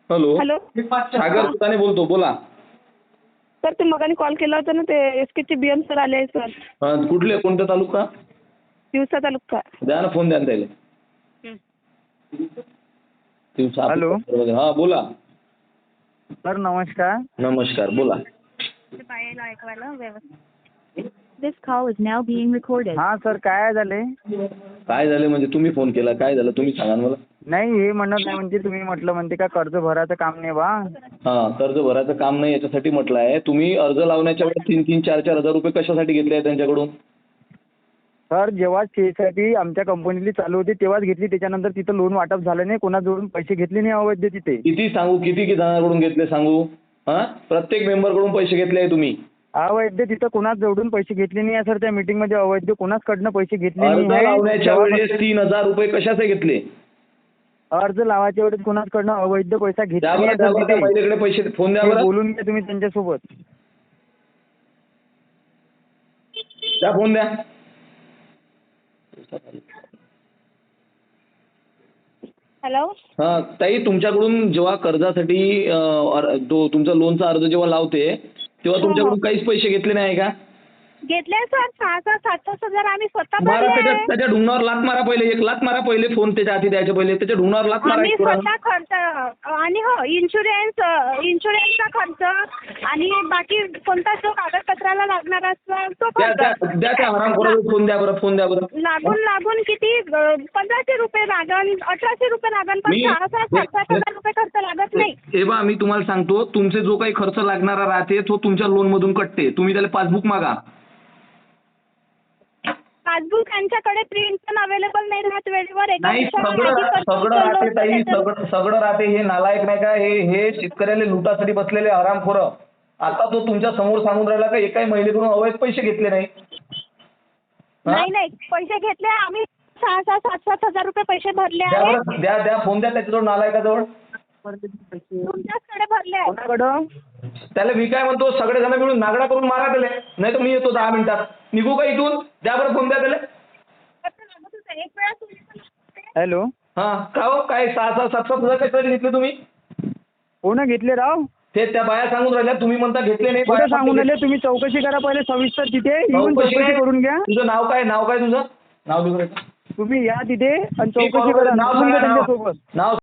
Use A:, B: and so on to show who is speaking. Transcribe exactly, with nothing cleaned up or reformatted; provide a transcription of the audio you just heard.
A: Hello
B: hello
A: सागर सुताने बोलतो, बोला.
B: Sir ते मगाने कॉल केला होता ना, ते एस के चे बी एम सर आले आहे सर.
A: हा, कुठले, कोणता तालुका?
B: दिवसा तालुका.
A: द्या ना फोन, द्या ना त्याला.
C: हॅलो.
A: हा बोला.
C: सर नमस्कार.
A: नमस्कार, बोला.
D: This call is now being recorded.
C: हा सर काय झाले?
A: काय झाले म्हणजे तुम्ही फोन केला, काय झालं तुम्ही सांगा ना मला.
C: नाही हे म्हणत नाही म्हणजे तुम्ही म्हटलं म्हणते का कर्ज भरायचं काम नाही बा.
A: हा, कर्ज भरायचं काम नाही याच्यासाठी म्हटलं आहे. तुम्ही अर्ज लावण्याच्या वेळेस तीन तीन चार चार हजार रुपये कशासाठी घेतले आहे त्यांच्याकडून?
C: सर जेव्हा शेसाठी आमच्या कंपनीली चालू होती तेव्हाच घेतली, त्याच्यानंतर तिथं लोन वाटप झालं नाही, कोणाजवळून पैसे घेतले नाही अवैध तिथे.
A: किती सांगू, किती किती जणांकडून घेतले सांगू? हा, प्रत्येक मेंबरकडून पैसे घेतले आहे तुम्ही.
C: अवैध तिथं कोणाच जवळून पैसे घेतले नाही सर. त्या मीटिंग मध्ये अवैध कोणाचकडनं पैसे घेतले
A: अर्ज
C: नाही.
A: लावण्याच्या वेळेस तीन हजार रुपये कशाचे घेतले?
C: अर्ज लावायच्या वेळेस कोणाचकडनं अवैध पैसा घेतला नाही सर तिथे.
A: पहिल्याकडे पैसे फोन द्या
C: ते
A: बरं.
C: बोलून घ्या तुम्ही त्यांच्यासोबत.
A: द्या फोन द्या.
B: हॅलो.
A: हा ताई, तुमच्याकडून जेव्हा कर्जासाठी अं, अर- तो तुमचा लोनचा अर्ज जेव्हा लावते तेव्हा तुमच्याकडून काहीच पैसे घेतले नाही का?
B: घेतले सर, सहा सहा सात सात हजार आम्ही स्वतः
A: मारा
B: भरले.
A: त्याच्या त्याच्या ढुंगणावर लात मारा पहिले, एक लात मारा पहिले, फोन त्याच्या हाती द्यायच्या पहिले त्याच्या ढुंगणावर लात मारा
B: आम्ही
A: एक पुरा.
B: स्वतः खर्च आणि हो इन्शुरन्स इन्शुरन्सचा खर्च आणि बाकी कोणता जो कागदपत्राला लागणार असतो तो
A: द्या द्या
B: खर्च
A: द्या त्या हरामखोराला फोन द्या बरं, फोन द्या बरं.
B: लागून लागून किती अं, पंधराशे रुपये लागन, अठराशे रुपये लागन, पण
A: मी-
B: सहा सहा सात सात हजार रुपये खर्च लागत नाही.
A: हे बा, मी तुम्हाला सांगतो, तुमचे जो काही खर्च लागणारा राहते तो तुमच्या लोन मधून कटते. तुम्ही त्याला पासबुक मागा.
B: पासबुक त्यांच्याकडे प्रिंट पण अवेलेबल नाही राहत वेळेवर. एका
A: नाही,
B: दिवसाला
A: सगळं
B: माझी खर्च
A: सगळं
B: चालू
A: राहते
B: होतं
A: ताई,
B: त्याच्यात.
A: सगळं सगळं राहते. हे नालायक नाही का, हे हे शेतकऱ्याला लुटासाठी बसलेले हरामखोरं. आता तो तुमच्या समोर सांगून राहिला का एकाही महिलेकडून अवैध पैसे घेतले नाही. हा?
B: नाही नाही, पैसे घेतले आम्ही, सहा सहा सात सात हजार रुपये पैसे भरले
A: द्या
B: आहेत.
A: बरं, द्या द्या फोन द्या त्याच्याजवळ, नालायकाजवळ.
B: तुमच्याचकडे भरले आहेत.
C: कोणाकडं?
A: त्याला मी काय म्हणतो, सगळेजण मिळून नागडा करून मारा त्याला, नाही तर मी येतो दहा मिनिटात. निघू का इथून? द्या बरं फोन द्या त्याला.
B: एक वेळा तुम्ही पण
C: हॅलो.
A: हा, का हो, काय सहा सहा सात सात हजार कशासाठी घेतले तुम्ही?
C: कोण घेतले राव?
A: ते त्या बाया सांगून राहिल्या, तुम्ही म्हणता घेतले नाही.
C: कुठे सांगून राहिले तुम्ही? चौकशी करा पहिले सविस्तर, तिथे येऊन
A: चौकशी
C: चौकशी
A: काय?
C: करून घ्या.
A: तुझं नाव काय? नाव काय तुझं? नाव लिहून राहिलं.
C: तुम्ही या तिथे आणि
A: मी
C: चौकशी
A: कॉल
C: करा.
A: नाव
C: बोलून घ्या
A: सांगा, नाव.
C: त्यांच्यासोबत.
A: नाव